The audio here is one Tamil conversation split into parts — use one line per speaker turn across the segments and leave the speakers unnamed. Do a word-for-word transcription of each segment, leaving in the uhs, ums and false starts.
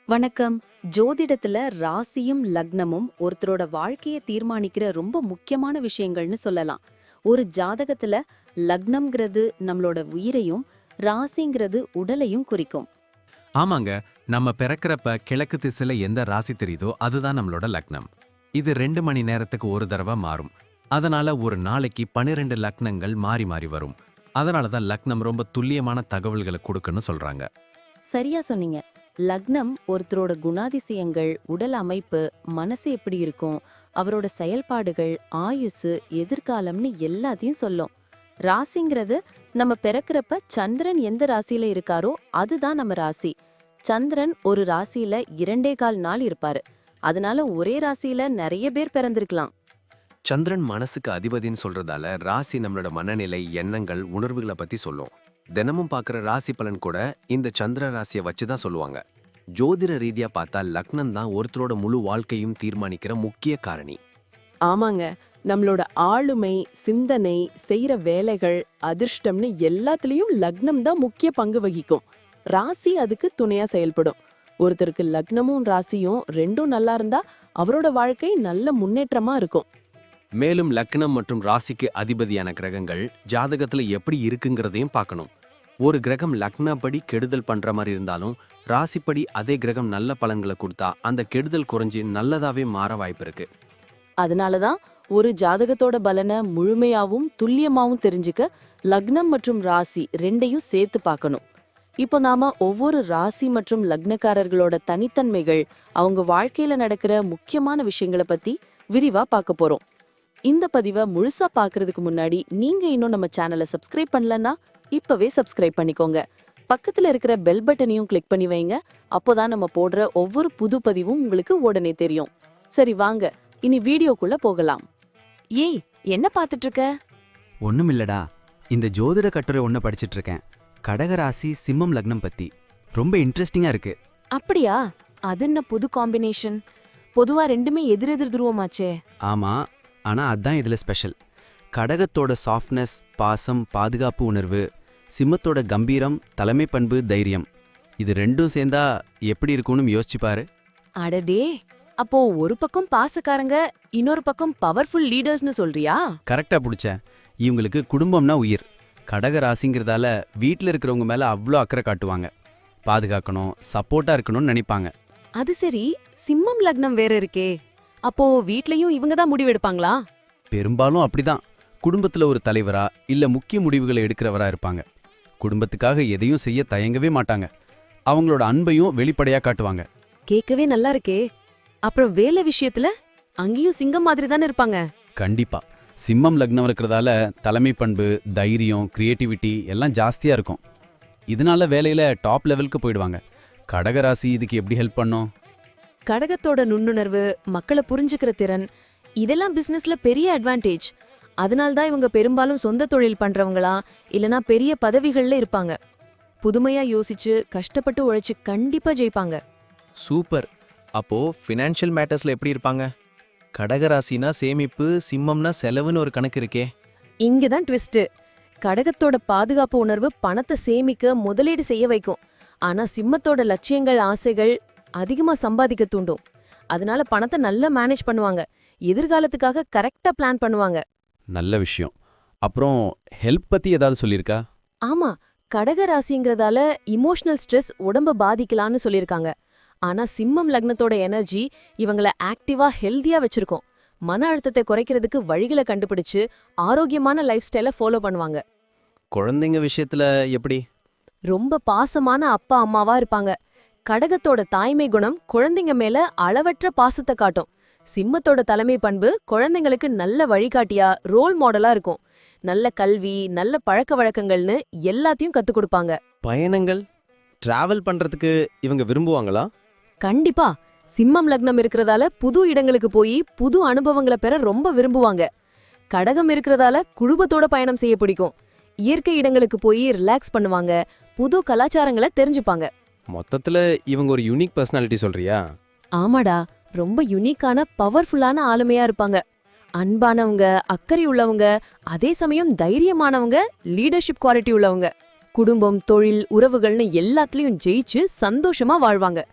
வணக்கம். ஜோதிடத்துல ராசியும் லக்னமும் ஒருத்தரோட வாழ்க்கைய தீர்மானிக்கிற ரொம்ப முக்கியமான விஷயங்கள்னு சொல்லலாம். ஒரு ஜாதகத்துல லக்னம்ங்கிறது நம்மளோட உயிரையும், ராசிங்கிறது உடலையும் குறிக்கும்.
ஆமாங்க. நம்ம பிறக்கிறப்ப கிழக்கு திசையில எந்த ராசி தெரியுதோ அதுதான் நம்மளோட லக்னம். இது ரெண்டு மணி நேரத்துக்கு ஒரு தடவை மாறும். அதனால ஒரு நாளைக்கு பன்னிரெண்டு லக்னங்கள் மாறி மாறி வரும். அதனால தான் லக்னம் ரொம்ப துல்லியமான தகவல்களை கொடுக்குன்னு சொல்றாங்க.
சரியா சொன்னீங்க. லக்னம் ஒருத்தரோட குணாதிசயங்கள், உடல் அமைப்பு, மனசு எப்படி இருக்கும், அவரோட செயல்பாடுகள், ஆயுசு, எதிர்காலம்னு எல்லாத்தையும் சொல்லும். ராசிங்கிறது நம்ம பிறக்கிறப்ப சந்திரன் எந்த ராசியில இருக்காரோ அதுதான் நம்ம ராசி. சந்திரன் ஒரு ராசியில இரண்டே கால் நாள் இருப்பாரு. அதனால ஒரே ராசியில நிறைய பேர் பிறந்திருக்கலாம்.
சந்திரன் மனசுக்கு அதிபதின்னு சொல்றதால ராசி நம்மளோட மனநிலை, எண்ணங்கள், உணர்வுகளை பத்தி சொல்லும். தினமும் பார்க்குற ராசி பலன் கூட இந்த சந்திர ராசியை வச்சு தான் சொல்லுவாங்க. ஜோதிட ரீதியா பார்த்தா லக்னம் தான் ஒருத்தரோட முழு வாழ்க்கையும் தீர்மானிக்கிற முக்கிய காரணி.
ஆமாங்க, நம்மளோட ஆளுமை, சிந்தனை, செய்யற வேலைகள், அதிர்ஷ்டம்னு எல்லாத்துலயும் லக்னம் தான் முக்கிய பங்கு வகிக்கும். ராசி அதுக்கு துணையா செயல்படும். ஒருத்தருக்கு லக்னமும் ராசியும் ரெண்டும் நல்லா இருந்தா அவரோட வாழ்க்கை நல்ல முன்னேற்றமா இருக்கும்.
மேலும் லக்னம் மற்றும் ராசிக்கு அதிபதியான கிரகங்கள் ஜாதகத்துல எப்படி இருக்குங்கிறதையும் பார்க்கணும். ஒரு கிரகம் லக்னப்படி கெடுதல் பண்ற மாதிரி இருந்தாலும் ராசிப்படி அதே கிரகம் நல்ல பலன்களை கொடுத்தா அந்த கெடுதல் குறைஞ்சி நல்லதாவே மாற வாய்ப்பு இருக்கு.
அதனாலதான் ஒரு ஜாதகத்தோட பலனை முழுமையாவும் துல்லியமாவும் தெரிஞ்சுக்க லக்னம் மற்றும் ராசி ரெண்டையும் சேர்த்து பார்க்கணும். இப்போ நாம ஒவ்வொரு ராசி மற்றும் லக்னக்காரர்களோட தனித்தன்மைகள், அவங்க வாழ்க்கையில நடக்கிற முக்கியமான விஷயங்களை பத்தி விரிவா பார்க்க போறோம். இந்த பதிவை முழுசா பாக்குறதுக்கு முன்னாடி நீங்க இன்னும் நம்ம சேனலை சப்ஸ்கிரைப் பண்ணலன்னா இப்பவே சப்ஸ்கிரைப் பண்ணிக்கோங்க. பக்கத்துல இருக்கிற பெல் பட்டனையும் கிளிக் பண்ணி வைங்க. அப்போதான் நம்ம போடுற ஒவ்வொரு புது பதிவும் உங்களுக்கு உடனே தெரியும். சரி வாங்க, இனி வீடியோக்குள்ள போகலாம்.
ஏய், என்ன பாத்துட்டு இருக்க?
ஒண்ணுமில்லடா, இந்த ஜோதிட கட்டுரை ஒன்ன படிச்சிட்டு இருக்கேன். கடகராசி சிம்மம் லக்னம் பத்தி ரொம்ப இன்ட்ரெஸ்டிங்கா இருக்கு.
அப்படியா? அது என்ன புது காம்பினேஷன்? பொதுவா ரெண்டுமே எதிரெதிர் துருவமாச்சே.
ஆமா, ஆனா அதான் இதுல ஸ்பெஷல். கடகத்தோட சாஃப்ட்னஸ், பாசம், பாதுகாப்பு உணர்வு, சிம்மத்தோட கம்பீரம், தலைமை பண்பு, தைரியம், இது ரெண்டும் சேர்ந்தா எப்படி இருக்கும்னு யோசிச்சு பாரு.
அடடே, அப்போ ஒரு பக்கம் பாசக்காரங்க, இன்னொரு பக்கம் பவர்ஃபுல் லீடர்ஸ்னு சொல்றியா?
கரெக்டா புடிச்ச. இவங்களுக்கு குடும்பம்னா உயிர். கடக ராசிங்கிறதால வீட்டில் இருக்கிறவங்க மேல அவ்வளோ அக்கறை காட்டுவாங்க. பாதுகாக்கணும், சப்போர்ட்டா இருக்கணும்னு நினைப்பாங்க.
அது சரி, சிம்மம் லக்னம் வேற இருக்கே. அப்போ வீட்லயும் இவங்க தான் முடிவெடுப்பாங்களா?
பெரும்பாலும் அப்படிதான். குடும்பத்துல ஒரு தலைவரா இல்ல முக்கிய முடிவுகளை எடுக்கிறவரா இருப்பாங்க. குடும்பத்துக்காக எதையும் செய்ய தயங்கவே மாட்டாங்க. அவங்களோட அன்பையும் வெளிப்படையா காட்டுவாங்க.
கேட்கவே நல்லா இருக்கே. அப்புறம் வேலை விஷயத்துல அங்கேயும் சிங்கம் மாதிரி தானே இருப்பாங்க.
கண்டிப்பா. சிம்மம் லக்னம் இருக்கிறதால தலைமை பண்பு, தைரியம், கிரியேட்டிவிட்டி எல்லாம் ஜாஸ்தியா இருக்கும். இதனால வேலையில டாப் லெவலுக்கு போயிடுவாங்க. கடகராசி இதுக்கு எப்படி ஹெல்ப் பண்ணும்?
கடகத்தோட நுண்ணுணர்வு, மக்களை புரிஞ்சுக்கிற திறன், இதெல்லாம் பிசினஸ்ல பெரிய அட்வான்டேஜ். அதனால்தான் இவங்க பெரும்பாலும் சொந்த தொழில் பண்றவங்களா இல்லனா பெரிய பதவிகள்ல இருப்பாங்க. புதுமையா யோசிச்சு கஷ்டப்பட்டு உழைச்சு கண்டிப்பா ஜெயிப்பாங்க.
சூப்பர். அப்போ ஃபினான்ஷியல் மேட்டர்ஸ்ல எப்படி இருப்பாங்க? கடகராசினா சேமிப்பு, சிம்மம்னா செலவுன்னு ஒரு கணக்கு இருக்கே.
இங்கதான் ட்விஸ்ட். கடகத்தோட பாதுகாப்பு உணர்வு பணத்தை சேமிக்க, முதலீடு செய்ய வைக்கும். ஆனா சிம்மத்தோட லட்சியங்கள், ஆசைகள் அதிகமா சம்பாதிக்க தூண்டும். அதனால பணத்தை நல்லா மேனேஜ் பண்ணுவாங்க. எதிர்காலத்துக்காக கரெக்டா பிளான் பண்ணுவாங்க.
நல்ல விஷயம். அப்புறம் ஹெல்ப் பத்தி ஏதாவது சொல்லியிருக்கா?
ஆமா, கடக ராசிங்கிறதால இமோஷனல் ஸ்ட்ரெஸ் உடம்ப பாதிக்கலான்னு சொல்லியிருக்காங்க. ஆனா சிம்மம் லக்னத்தோட எனர்ஜி இவங்களை ஆக்டிவா, ஹெல்தியா வச்சிருக்கோம். மன அழுத்தத்தை குறைக்கிறதுக்கு வழிகளை கண்டுபிடிச்சு ஆரோக்கியமான லைஃப் ஸ்டைலை ஃபாலோ பண்ணுவாங்க.
குழந்தைங்க விஷயத்துல எப்படி?
ரொம்ப பாசமான அப்பா அம்மாவா இருப்பாங்க. கடகத்தோட தாய்மை குணம் குழந்தைங்க மேல அளவற்ற பாசத்தை காட்டும். சிம்மத்தோட தலைமை பண்பு குழந்தைங்களுக்கு நல்ல வழிகாட்டியா, ரோல் மாடலா இருக்கும். நல்ல கல்வி, நல்ல பழக்க வழக்கங்கள்னு எல்லாத்தையும் கத்துக் கொடுப்பாங்க.
பயணங்கள், டிராவல் பண்றதுக்கு இவங்க விரும்புவாங்களா?
கண்டிப்பா. சிம்மம் லக்னம் இருக்கிறதால புது இடங்களுக்கு போய் புது அனுபவங்களை பெற ரொம்ப விரும்புவாங்க. கடகம் இருக்கிறதால குடும்பத்தோட பயணம் செய்ய பிடிக்கும். இயற்கை இடங்களுக்கு போய் ரிலாக்ஸ் பண்ணுவாங்க. புது கலாச்சாரங்களை தெரிஞ்சுப்பாங்க.
மொத்தத்துல இவங்க ஒரு யூனிக் பர்சனாலிட்டி சொல்றியா?
ஆமாடா, ரொம்ப யுனிக்கான, பவர்ஃபுல்லான ஆளுமையா இருப்பாங்க. அன்பானவங்க, அக்கறை உள்ளவங்க, அதே சமயம் தைரியமானவங்க, லீடர்ஷிப் குவாலிட்டி உள்ளவங்க. குடும்பம், தொழில், உறவுகள்னு எல்லாத்துலயும் ஜெயிச்சு சந்தோஷமா வாழ்வாங்க.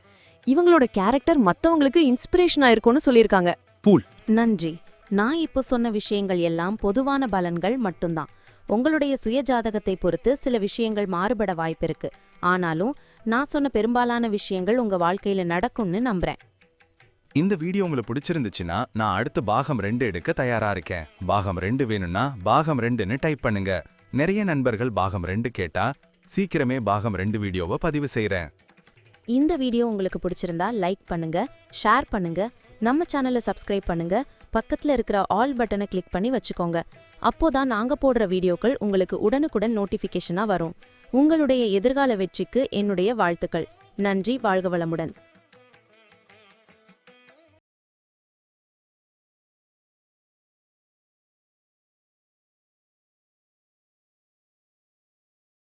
இவங்களோட கேரக்டர் மத்தவங்களுக்கு இன்ஸ்பிரேஷனா இருக்கும்னு சொல்லியிருக்காங்க.
நன்றி. நான் இப்போ சொன்ன விஷயங்கள் எல்லாம் பொதுவான பலன்கள் மட்டும்தான். உங்களுடைய சுய ஜாதகத்தை பொறுத்து சில விஷயங்கள் மாறுபட வாய்ப்பிருக்கு. ஆனாலும் நான் சொன்ன பெரும்பாலான விஷயங்கள் உங்க வாழ்க்கையில நடக்கும்னு நம்புறேன்.
இந்த வீடியோ உங்களுக்கு பிடிச்சிருந்துச்சுன்னா நான் அடுத்து பாகம் ரெண்டு எடுக்க தயாரா இருக்கேன். பாகம் ரெண்டு வேணும்னா பாகம் ரெண்டுன்னு டைப் பண்ணுங்க. நிறைய நண்பர்கள் பாகம் ரெண்டு கேட்டா சீக்கிரமே பாகம் ரெண்டு வீடியோவை பதிவு செய்றேன்.
இந்த வீடியோ உங்களுக்கு பிடிச்சிருந்தா லைக் பண்ணுங்க, ஷேர் பண்ணுங்க, நம்ம சேனலை சப்ஸ்கிரைப் பண்ணுங்க, பக்கத்துல இருக்கிற ஆல் பட்டனை கிளிக் பண்ணி வச்சுக்கோங்க. அப்போதான் நாங்க போடுற வீடியோக்கள் உங்களுக்கு உடனுக்குடன் நோட்டிஃபிகேஷனா வரும். உங்களுடைய எதிர்கால வெற்றிக்கு என்னுடைய வாழ்த்துக்கள். நன்றி. வாழ்க வளமுடன்.